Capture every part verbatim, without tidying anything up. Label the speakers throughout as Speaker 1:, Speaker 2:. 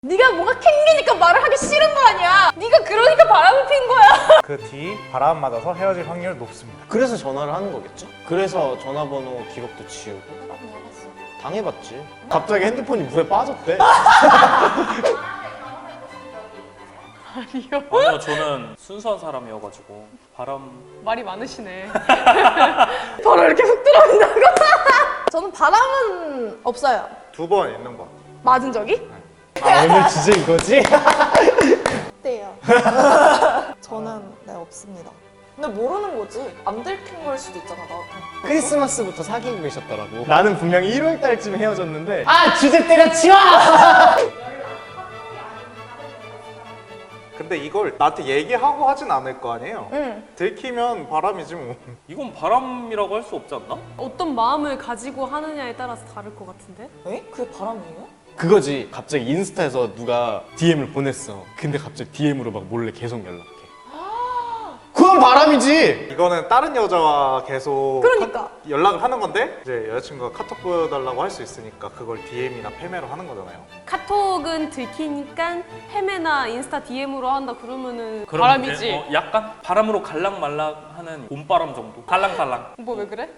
Speaker 1: 네가 뭔가 캥기니까 말을 하기 싫은 거 아니야. 네가 그러니까 바람을 핀 거야.
Speaker 2: 그 뒤 바람 맞아서 헤어질 확률 높습니다.
Speaker 3: 그래서 전화를 하는 거겠죠? 그래서 전화번호 기록도 지우고 당해봤지. 갑자기 핸드폰이 물에 빠졌대.
Speaker 1: 아니요.
Speaker 4: 아니요, 저는 순수한 사람이어가지고 바람.
Speaker 1: 말이 많으시네. 바로 이렇게 훅 들어온다고? 저는 바람은 없어요.
Speaker 2: 두 번 있는 거.
Speaker 1: 맞은 적이?
Speaker 3: 아, 오늘 주제 이거지?
Speaker 5: 어때요? 저는 네 없습니다. 근데 모르는 거지. 안 들킨 걸 수도 있잖아 나한테.
Speaker 3: 크리스마스부터 사귀고 계셨더라고. 나는 분명히 일월 달쯤에 헤어졌는데 아 주제 때려치워!
Speaker 2: 근데 이걸 나한테 얘기하고 하진 않을 거 아니에요?
Speaker 1: 응.
Speaker 2: 들키면 바람이지 뭐.
Speaker 4: 이건 바람이라고 할 수 없지 않나?
Speaker 6: 어떤 마음을 가지고 하느냐에 따라서 다를 것 같은데?
Speaker 5: 에? 그게 바람이에요?
Speaker 3: 그거지. 갑자기 인스타에서 누가 디엠을 보냈어. 근데 갑자기 디엠으로 막 몰래 계속 연락해. 그건 바람이지!
Speaker 2: 이거는 다른 여자와 계속
Speaker 1: 그러니까.
Speaker 2: 카- 연락을 하는 건데 이제 여자친구가 카톡 보여달라고 할 수 있으니까 그걸 디엠이나 페메로 하는 거잖아요.
Speaker 6: 카톡은 들키니까 헤매나 인스타 디엠으로 한다 그러면은
Speaker 4: 그럼
Speaker 6: 바람이지.
Speaker 4: 이제, 어, 약간 바람으로 갈랑말랑하는 봄바람 정도. 갈랑갈랑.
Speaker 6: 뭐 왜 그래?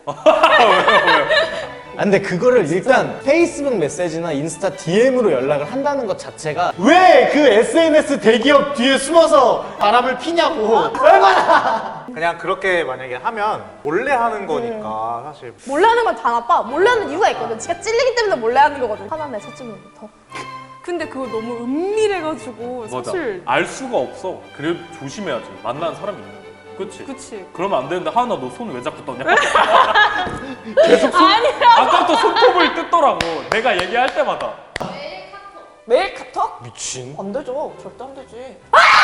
Speaker 3: 아, 근데 그거를 일단 페이스북 메시지나 인스타 디엠으로 연락을 한다는 것 자체가 왜 그 에스엔에스 대기업 뒤에 숨어서 바람을 피냐고. 얼마나!
Speaker 2: 그냥 그렇게 만약에 하면 몰래 하는 거니까 사실
Speaker 1: 몰래 하는 건 다 나빠. 몰래 하는 이유가 있거든. 지가 찔리기 때문에 몰래 하는 거거든. 화나네, 첫째부터.
Speaker 6: 근데 그거 너무 은밀해가지고
Speaker 4: 맞아.
Speaker 6: 사실
Speaker 4: 알 수가 없어. 그래 조심해야지. 만나는 사람이 있는 거. 그치?
Speaker 6: 그치.
Speaker 4: 그러면 안 되는데 하나 너 손 왜 자꾸 떠냐? 계속 손, 아까부터 손톱을 뜯더라고. 내가 얘기할 때마다.
Speaker 5: 매일 카톡?
Speaker 3: 미친.
Speaker 5: 안 되죠. 절대 안 되지.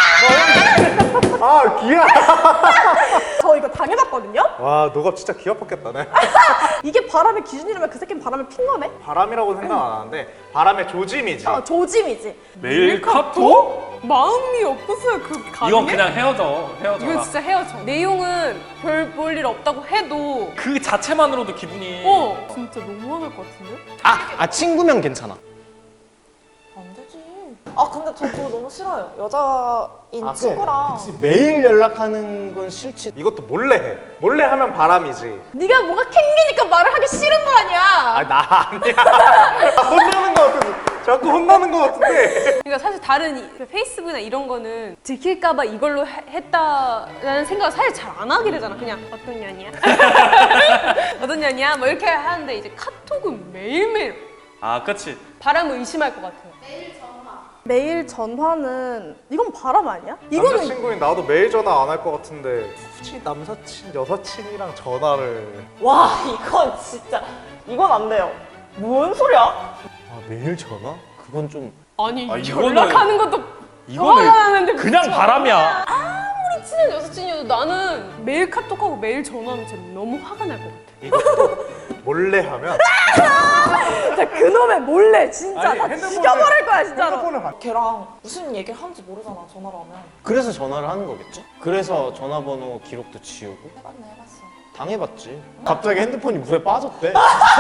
Speaker 2: 아 기야!
Speaker 1: 저 이거 당해봤거든요?
Speaker 2: 와 너가 진짜 기가 뽑겠다네.
Speaker 1: 이게 바람의 기준이라면 그 새끼는 바람을 핀 거네?
Speaker 2: 바람이라고 생각 안 하는데 바람의 조짐이지.
Speaker 1: 어, 조짐이지.
Speaker 4: 매일 카톡?
Speaker 6: 마음이 없어서야 그 가능해?
Speaker 4: 이건 그냥 헤어져. 헤어져.
Speaker 6: 이건 진짜 헤어져. 내용은 별 볼 일 없다고 해도
Speaker 4: 그 자체만으로도 기분이.
Speaker 6: 어 진짜 너무 화날 것 같은데?
Speaker 3: 아, 아 친구면 괜찮아.
Speaker 5: 안 되지. 아 근데 저 그거 너무 싫어요. 여자인
Speaker 3: 아,
Speaker 5: 친구랑
Speaker 3: 그치. 매일 연락하는 건 싫지.
Speaker 2: 이것도 몰래 해. 몰래 하면 바람이지.
Speaker 1: 네가 뭔가 캥기니까 말을 하기 싫은 거 아니야.
Speaker 2: 아 나 아니야. 혼나는 거 같은데. 자꾸 혼나는 거 같은데.
Speaker 6: 그러니까 사실 다른 이- 그 페이스북이나 이런 거는 들킬까봐 이걸로 해- 했다라는 생각을 사실 잘 안 하게 되잖아. 그냥 어떤 년이야? 어떤 년이야? 뭐 이렇게 하는데 이제 카톡은 매일매일
Speaker 4: 아, 그치.
Speaker 6: 바람을 의심할 것 같아요.
Speaker 1: 매일 전화는 이건 바람 아니야? 이거는
Speaker 2: 남자친구인 나도 매일 전화 안 할 것 같은데 굳이 남사친, 여사친이랑 전화를
Speaker 5: 와 이건 진짜 이건 안 돼요. 뭔 소리야?
Speaker 3: 아 매일 전화? 그건 좀.
Speaker 6: 아니
Speaker 4: 아, 이거는-
Speaker 6: 연락하는 것도
Speaker 4: 이거는
Speaker 6: 화가 나는데
Speaker 4: 그냥
Speaker 6: 진짜
Speaker 4: 바람이야.
Speaker 6: 아무리 친한 여사친이어도 나는 매일 카톡하고 매일 전화하면 진짜 너무 화가 날 것 같아.
Speaker 2: 이것도 몰래 하면
Speaker 1: 진짜 그놈의 몰래 진짜
Speaker 2: 아니,
Speaker 1: 다
Speaker 2: 핸드폰을-
Speaker 1: 죽여버릴 거야 진짜로.
Speaker 2: 핸드폰을 봐.
Speaker 5: 걔랑 무슨 얘기를 하는지 모르잖아 전화로 하면.
Speaker 3: 그래서 전화를 하는 거겠죠? 그래서 전화번호 기록도 지우고
Speaker 5: 해봤네 해봤어.
Speaker 3: 당해봤지. 갑자기 핸드폰이 물에 빠졌대.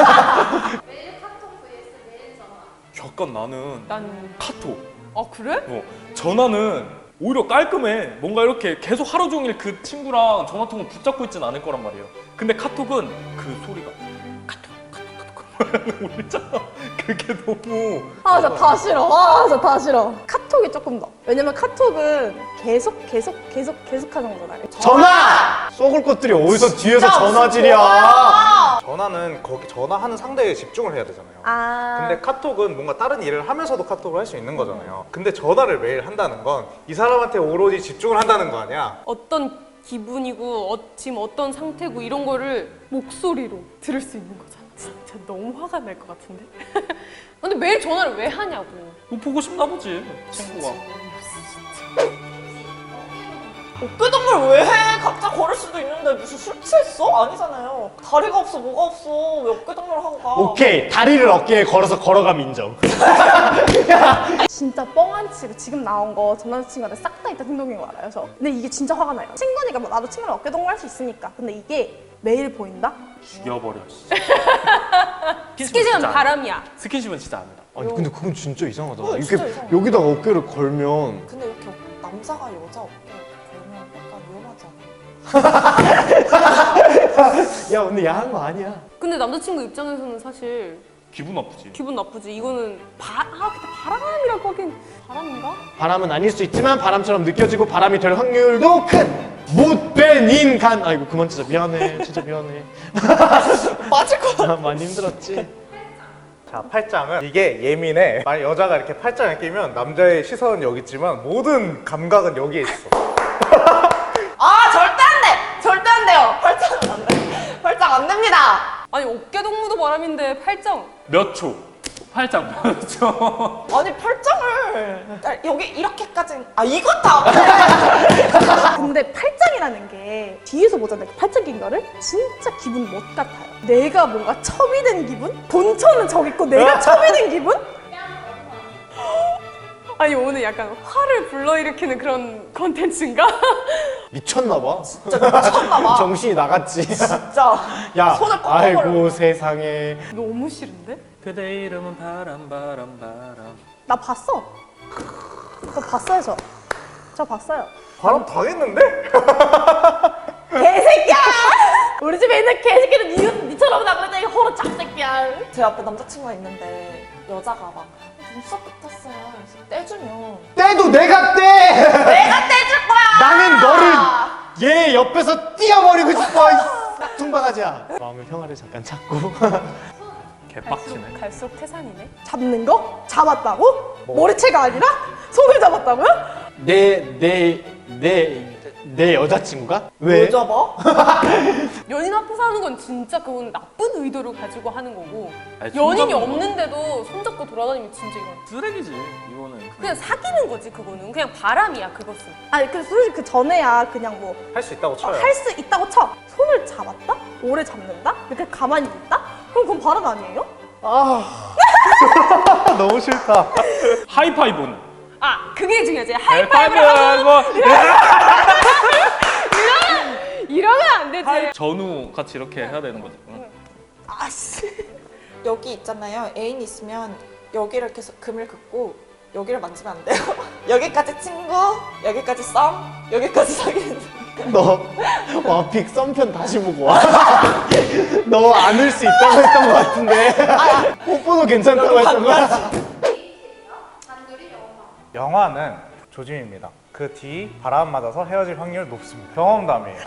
Speaker 4: 약간 나는
Speaker 6: 난
Speaker 4: 카톡.
Speaker 6: 아 그래?
Speaker 4: 어, 전화는 오히려 깔끔해. 뭔가 이렇게 계속 하루 종일 그 친구랑 전화통을 붙잡고 있진 않을 거란 말이에요. 근데 카톡은 그 소리가 카톡, 카톡, 카톡 울리잖아. 그게 너무.
Speaker 1: 아, 진짜 다 싫어. 아, 진짜 다 싫어. 카톡이 조금 더. 왜냐면 카톡은 계속 계속 계속 계속 하는 거잖아요.
Speaker 3: 전화! 쏘글 것들이 어디서 뒤에서 전화질이야.
Speaker 2: 전화는 거기 전화하는 상대에 집중을 해야 되잖아요.
Speaker 1: 아.
Speaker 2: 근데 카톡은 뭔가 다른 일을 하면서도 카톡을 할 수 있는 거잖아요. 근데 전화를 매일 한다는 건 이 사람한테 오로지 집중을 한다는 거 아니야?
Speaker 6: 어떤 기분이고 어, 지금 어떤 상태고 이런 거를 목소리로 들을 수 있는 거잖아. 진짜 너무 화가 날 것 같은데? 근데 매일 전화를 왜 하냐고.
Speaker 4: 뭐 보고 싶나 보지, 친구가.
Speaker 5: 어깨동무를 왜 해? 각자 걸을 수도 있는데 무슨 술 취했어? 아니잖아요. 다리가 없어 뭐가 없어. 왜 어깨동무를 하고 가?
Speaker 3: 오케이 다리를 어깨에 걸어서 걸어가면 인정.
Speaker 1: 진짜 뻥안 치고 지금 나온 거 전 남자친구한테 싹 다 있다 행동인 거 알아요, 저? 근데 이게 진짜 화가 나요. 친구니까 뭐 나도 친구랑 어깨동무 할 수 있으니까. 근데 이게 매일 보인다?
Speaker 4: 죽여버려.
Speaker 6: 스킨십은 바람이야.
Speaker 4: 스킨십은 진짜 안 한다.
Speaker 3: 아니 근데 그건 진짜 이상하다.
Speaker 5: 어,
Speaker 3: 이렇게
Speaker 5: 진짜 이상해.
Speaker 3: 여기다가 어깨를 걸면
Speaker 5: 근데 이렇게 남자가 여자 어깨 걸면 약간 위험하지 않아?
Speaker 3: 야 근데 야한 거 아니야.
Speaker 6: 근데 남자친구 입장에서는 사실
Speaker 4: 기분 나쁘지.
Speaker 6: 기분 나쁘지. 이거는 바, 아, 근데 바람이라고 하긴 바람인가?
Speaker 3: 바람은 아닐 수 있지만 바람처럼 느껴지고 바람이 될 확률도 큰 못된 인간. 아이고 그만 진짜 미안해. 진짜 미안해.
Speaker 5: 맞을 거야.
Speaker 3: 아, 많이 힘들었지.
Speaker 2: 자, 팔짱은 이게 예민해. 만약 여자가 이렇게 팔짱을 끼면 남자의 시선은 여기 있지만 모든 감각은 여기에 있어.
Speaker 5: 아 절대 안 돼! 절대 안 돼요! 팔짱은 안 돼. 팔짱 안 됩니다!
Speaker 6: 아니 어깨 동무도 바람인데 팔짱.
Speaker 4: 몇 초? 팔짱 몇 초?
Speaker 5: 아니 팔짱을 아, 여기 이렇게까지 아 이거 다
Speaker 1: 근데 팔짱이라는 게 뒤에서 보잖아요. 그 팔짱 낀 거를 진짜 기분 못 같아요. 내가 뭔가 첩이 된 기분? 본처는 저기 있고 내가 첩이 된 기분?
Speaker 6: 아니 오늘 약간 화를 불러일으키는 그런 컨텐츠인가?
Speaker 3: 미쳤나봐.
Speaker 5: 진짜 미쳤나봐.
Speaker 3: 정신이 나갔지.
Speaker 5: 진짜
Speaker 3: 야,
Speaker 5: 손을 꺾어버려.
Speaker 3: 아이고 세상에.
Speaker 6: 너무 싫은데?
Speaker 4: 그대 이름은 바람 바람 바람.
Speaker 1: 나 봤어. 저 봤어요, 저. 저 봤어요.
Speaker 2: 바람 당했는데?
Speaker 1: 개새끼야! 우리 집에 있는 개새끼는 니, 니처럼 나그랬더니 호로 짝새끼야.
Speaker 5: 제 앞에 남자친구가 있는데 여자가 막 눈썹 같았어요. 그래서 떼주면
Speaker 3: 때도 내가 떼.
Speaker 5: 내가 떼줄 거야!
Speaker 3: 나는 너를 얘 옆에서 띄어버리고 싶어. 이 퉁바가지야. 마음의 평화를 잠깐 찾고.
Speaker 4: 개빡치네.
Speaker 6: 갈수록 태산이네.
Speaker 1: 잡는 거? 잡았다고? 머리채가 아니라? 손을 잡았다고요?
Speaker 3: 내 내 내 내 여자친구가? 왜?
Speaker 5: 왜 잡아?
Speaker 6: 연인 앞에서 하는 건 진짜 그건 나쁜 의도를 가지고 하는 거고
Speaker 4: 아니,
Speaker 6: 연인이
Speaker 4: 손잡는 거.
Speaker 6: 없는데도 손잡고 돌아다니면 진짜 이건
Speaker 4: 쓰레기지 이거는.
Speaker 6: 그냥 사귀는 거지 그거는 그냥 바람이야 그것은.
Speaker 1: 아니, 그 솔직히 그 전에야 그냥 뭐
Speaker 2: 할 수 있다고 쳐요.
Speaker 1: 할 수 있다고 쳐. 손을 잡았다? 오래 잡는다? 이렇게 가만히 있다? 그럼 그건 바람 아니에요?
Speaker 2: 아, 너무 싫다.
Speaker 4: 하이파이브는?
Speaker 6: 아 그게 중요하지. 하이파이브를 하고
Speaker 4: 하고
Speaker 6: 이러면 안 되지.
Speaker 4: 전우 같이 이렇게 해야 되는 거지. 응.
Speaker 1: 아씨.
Speaker 5: 여기 있잖아요. 애인 있으면 여기를 이렇게 해서 금을 긋고 여기를 만지면 안 돼요. 여기까지 친구, 여기까지 썸, 여기까지 사귀는 사람.
Speaker 3: 너 와픽 썸편 다시 보고 와. 너 안을 수 있다고 했던 것 같은데. 뽀뽀도 괜찮다고 했던 거 같아.
Speaker 2: 영화는 조짐입니다. 그 뒤 바람 맞아서 헤어질 확률 높습니다. 경험담이에요.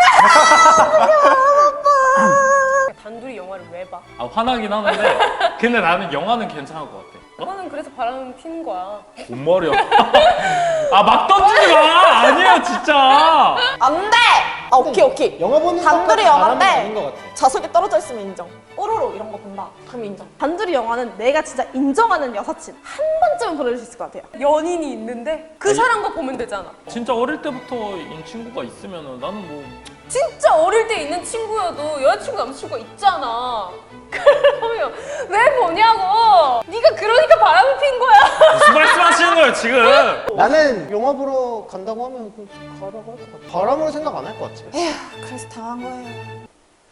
Speaker 6: 단둘이 영화를 왜 봐?
Speaker 4: 아 화나긴 하는데 근데 나는 영화는 괜찮을 것 같아.
Speaker 6: 그거는 그래서 바람 피는 거야.
Speaker 4: 뭔 말이야? 아 막 던지지 마! 아니야 진짜.
Speaker 5: 안 돼! 아 오케이 오케이.
Speaker 3: 영화 보는
Speaker 5: 단둘이
Speaker 3: 것까지 바람은 아닌 것
Speaker 5: 영화인데
Speaker 3: 같아.
Speaker 5: 좌석에 떨어져 있으면 인정. 뽀로로 이런 거 본다. 그럼 인정.
Speaker 1: 단둘이 영화는 내가 진짜 인정하는 여사친 한 번쯤은 보내줄 수 있을 것 같아요.
Speaker 6: 연인이 있는데 그 사람과 보면 되잖아.
Speaker 4: 진짜 어릴 때부터인 친구가 있으면은 나는 뭐
Speaker 6: 진짜 어릴 때 있는 친구여도 여자친구 남자친구가 있잖아. 그러면 왜 보냐고. 네가 그러니까 바람을 핀 거야.
Speaker 4: 무슨 말씀하시는 거예요 지금?
Speaker 3: 나는 영화 보러 간다고 하면 그 가라고 할 것 같아. 바람으로 생각 안 할 것 같아.
Speaker 5: 에휴 그래서 당한 거예요.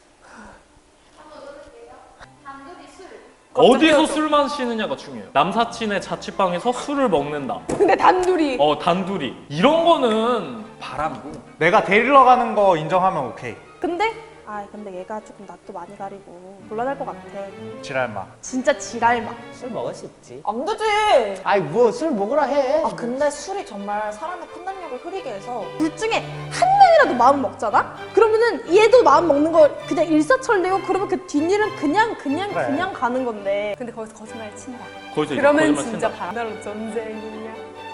Speaker 4: 어디서 술 마시느냐가 중요해요. 남사친의 자취방에서 술을 먹는다.
Speaker 6: 근데 단둘이
Speaker 4: 어 단둘이 이런 거는 바람이고.
Speaker 2: 내가 데리러 가는 거 인정하면 오케이.
Speaker 1: 근데 아 근데 얘가 조금 낯도 많이 가리고 곤란할 것 같아.
Speaker 2: 지랄마.
Speaker 1: 진짜 지랄마.
Speaker 3: 술 먹을 수 있지.
Speaker 5: 안 되지.
Speaker 3: 아이 뭐 술 먹으라 해.
Speaker 5: 아 근데 술이 정말 사람의 판단력을 흐리게 해서
Speaker 1: 둘 중에 한 명이라도 마음 먹잖아? 그러면은 얘도 마음 먹는 거 그냥 일사천리고 그러면 그 뒷일은 그냥 그냥
Speaker 2: 그래.
Speaker 1: 그냥 가는 건데.
Speaker 6: 근데 거기서 거짓말 친다.
Speaker 4: 거기서 이제
Speaker 6: 그러면
Speaker 4: 거짓말
Speaker 6: 진짜
Speaker 4: 친다.
Speaker 6: 바람으로 전쟁이냐.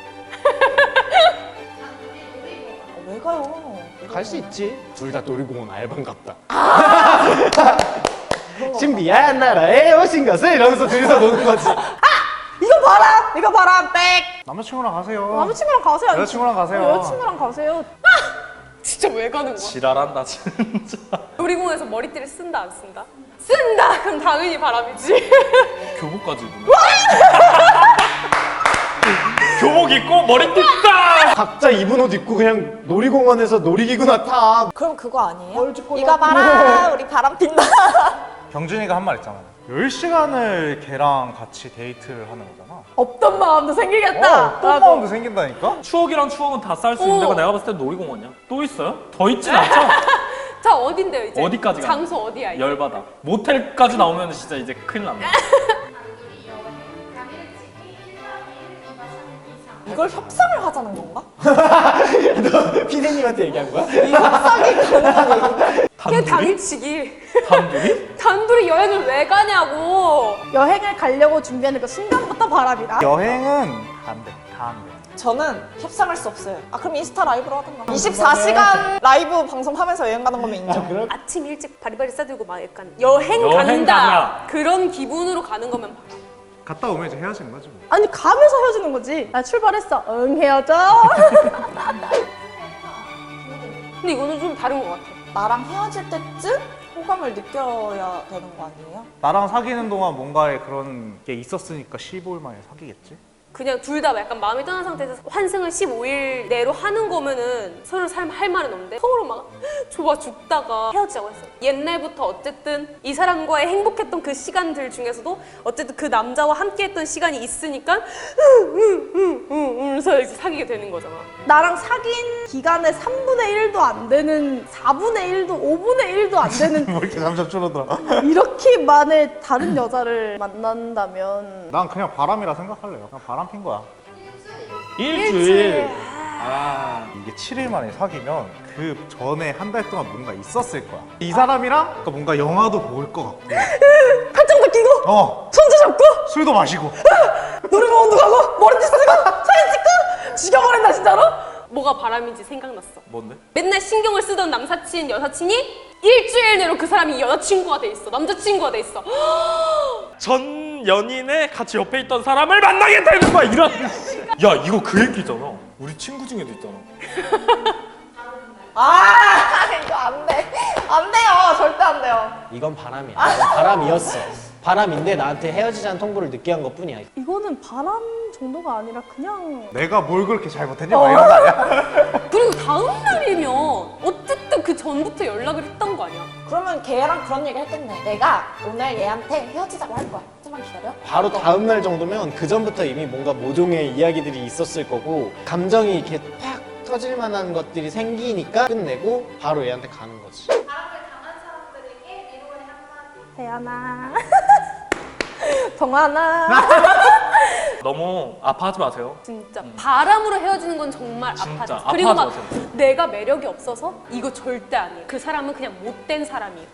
Speaker 5: 아, 왜 가요?
Speaker 3: 갈 수 있지. 둘 다 놀이공원 알바인 같다. 신비한 나라에 오신 것을 이러면서 둘이서 노는 거지.
Speaker 1: 이거 봐라! 이거 봐라! 백!
Speaker 2: 남자친구랑 가세요.
Speaker 1: 남자친구랑 가세요.
Speaker 2: 여자친구랑 가세요.
Speaker 1: 어, 여자친구랑 가세요.
Speaker 6: 진짜 왜 가는 거야?
Speaker 4: 지랄한다 진짜.
Speaker 6: 놀이공원에서 머리띠를 쓴다 안 쓴다? 쓴다! 그럼 당연히 바람이지.
Speaker 4: 교복까지 입으면. 교복 입고 머리띠 딱.
Speaker 3: 각자 입은 옷 입고 그냥 놀이공원에서 놀이기구나 타.
Speaker 5: 그럼 그거 아니에요?
Speaker 3: 뭘 찍고
Speaker 5: 이거 봐라 우리 바람 핀다.
Speaker 2: 경준이가 한 말 있잖아. 열 시간을 걔랑 같이 데이트를 하는 거잖아.
Speaker 1: 없던 마음도 생기겠다.
Speaker 2: 어, 또 마음도 생긴다니까?
Speaker 4: 추억이랑 추억은 다 쌓일 수 있는
Speaker 6: 어.
Speaker 4: 데가 내가 봤을 때 놀이공원이야. 또 있어요? 더 있진 않죠?
Speaker 6: 자 어딘데요 이제?
Speaker 4: 어디까지 가요?
Speaker 6: 장소 어디야 이제?
Speaker 4: 열받아. 모텔까지 나오면 진짜 이제 큰일 납니다.
Speaker 5: 이걸 협상을 하자는 건가?
Speaker 3: 너 피디님한테 얘기한 거야?
Speaker 5: 이 협상이 가능한 얘기.
Speaker 6: 그냥 당일치기.
Speaker 4: 단둘이?
Speaker 6: 단둘이 여행을 왜 가냐고.
Speaker 1: 여행을 가려고 준비하는 그 순간부터 바람이다.
Speaker 2: 여행은 안 돼. 다 안 돼.
Speaker 5: 저는 협상할 수 없어요. 아 그럼 인스타 라이브로 하든가. 이십사 시간 라이브 방송하면서 여행 가는 거면 인정.
Speaker 3: 그럼
Speaker 6: 아침 일찍 바리바리 싸들고 막 약간 여행,
Speaker 4: 여행
Speaker 6: 간다
Speaker 4: 가냐.
Speaker 6: 그런 기분으로 가는 거면 봐.
Speaker 2: 갔다 오면 이제 헤어지는 거지 뭐.
Speaker 1: 아니 가면서 헤어지는 거지. 나 출발했어. 응 헤어져.
Speaker 6: 근데 이거는 좀 다른 것 같아.
Speaker 5: 나랑 헤어질 때쯤 호감을 느껴야 되는 거 아니에요?
Speaker 2: 나랑 사귀는 동안 뭔가에 그런 게 있었으니까 십오 일 만에 사귀겠지?
Speaker 6: 그냥 둘 다 약간 마음이 떠난 상태에서 환승을 십오 일 내로 하는 거면은 서로 삶 할 말은 없는데 서로 막 좋아 죽다가 헤어지자고 했어. 옛날부터 어쨌든 이 사람과의 행복했던 그 시간들 중에서도 어쨌든 그 남자와 함께했던 시간이 있으니까 응응응응응서 이제 사귀게 되는 거잖아.
Speaker 1: 나랑 사귄 기간의 삼분의 일도 안 되는 사분의 일도 오분의 일도 안 되는
Speaker 2: 뭐 이렇게 점점 줄어들어.
Speaker 1: 이렇게 만에 다른 여자를 만난다면
Speaker 2: 난 그냥 바람이라 생각할래요. 그냥 바람 핀 거야.
Speaker 4: 일주일.
Speaker 6: 아,
Speaker 2: 이게 칠 일 만에 사귀면 그 전에 한 달 동안 뭔가 있었을 거야. 이 사람이랑 또 뭔가 영화도 볼 것 같고,
Speaker 1: 팔짱도 끼고
Speaker 2: 어
Speaker 1: 손도 잡고
Speaker 2: 술도 마시고.
Speaker 1: 노래방도 가고 머리띠 쓰고 사진 찍고 죽여버린다 진짜로?
Speaker 6: 뭐가 바람인지 생각났어.
Speaker 4: 뭔데?
Speaker 6: 맨날 신경을 쓰던 남사친, 여사친이 일주일 내로 그 사람이 여자친구가 돼 있어. 남자친구가 돼 있어.
Speaker 4: 전 연인의 같이 옆에 있던 사람을 만나게 되는 거야. 이런. 야 이거 그 얘기잖아. 우리 친구 중에도 있잖아.
Speaker 5: 아 이거 안 돼. 안 돼요. 절대 안 돼요.
Speaker 3: 이건 바람이야. 이건 바람이었어. 바람인데 나한테 헤어지자는 통보를 늦게 한 것뿐이야.
Speaker 1: 이거는 바람 정도가 아니라 그냥
Speaker 2: 내가 뭘 그렇게 잘못했냐? 막 이런 거 아니야?
Speaker 6: 그리고 다음 날이면 어쨌든 그 전부터 연락을 했던 거 아니야?
Speaker 5: 그러면 걔랑 그런 얘기 했겠네. 내가 오늘 얘한테 헤어지자고 할 거야. 좀만 기다려.
Speaker 3: 바로 다음 날 정도면 그 전부터 이미 뭔가 모종의 이야기들이 있었을 거고 감정이 이렇게 팍 터질 만한 것들이 생기니까 끝내고 바로 얘한테 가는 거지.
Speaker 1: 태연아 동환아
Speaker 4: 너무 아파하지 마세요.
Speaker 6: 진짜 바람으로 헤어지는 건 정말
Speaker 4: 진짜
Speaker 6: 아파져. 그리고 막
Speaker 4: 아파하지 마세요.
Speaker 6: 내가 매력이 없어서 이거 절대 아니에요. 그 사람은 그냥 못된 사람이에요.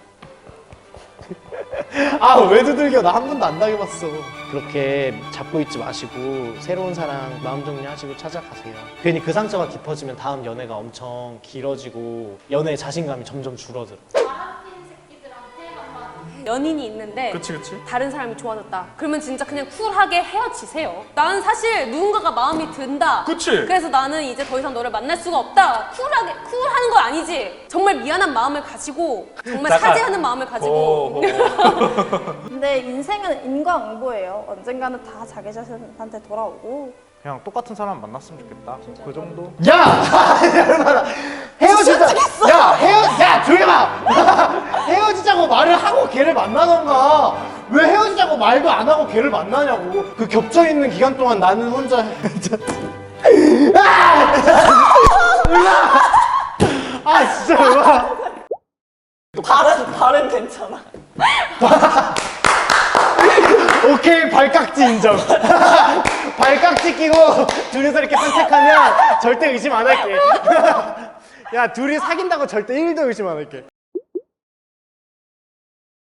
Speaker 3: 아 왜 두들겨? 나 한 번도 안 당해봤어. 그렇게 잡고 있지 마시고 새로운 사랑 마음 정리하시고 찾아가세요. 괜히 그 상처가 깊어지면 다음 연애가 엄청 길어지고 연애의 자신감이 점점 줄어들어.
Speaker 6: 연인이 있는데
Speaker 4: 그치 그치.
Speaker 6: 다른 사람이 좋아졌다. 그러면 진짜 그냥 쿨하게 헤어지세요. 나는 사실 누군가가 마음이 든다.
Speaker 4: 그치.
Speaker 6: 그래서 나는 이제 더 이상 너를 만날 수가 없다. 쿨하게 쿨하는 건 아니지. 정말 미안한 마음을 가지고 정말
Speaker 4: 잠깐.
Speaker 6: 사죄하는 마음을 가지고
Speaker 4: 어, 어.
Speaker 1: 근데 인생은 인과응보예요. 언젠가는 다 자기 자신한테 돌아오고
Speaker 2: 그냥 똑같은 사람 만났으면 좋겠다. 그 정도?
Speaker 3: 야! 얼마나 헤어지자. 야 헤어 야 조용히 봐. 헤어지자고 말을 하고 걔를 만나던가. 왜 헤어지자고 말도 안 하고 걔를 만나냐고. 그 겹쳐 있는 기간 동안 나는 혼자. 아! 으아! 아 진짜 으아.
Speaker 5: 발은 발은 괜찮아.
Speaker 3: 오케이 발깍지 인정. 발깍지 끼고 둘이서 이렇게 산책하면 절대 의심 안 할게. 야 둘이 사귄다고 절대 일도 의심 안 할게.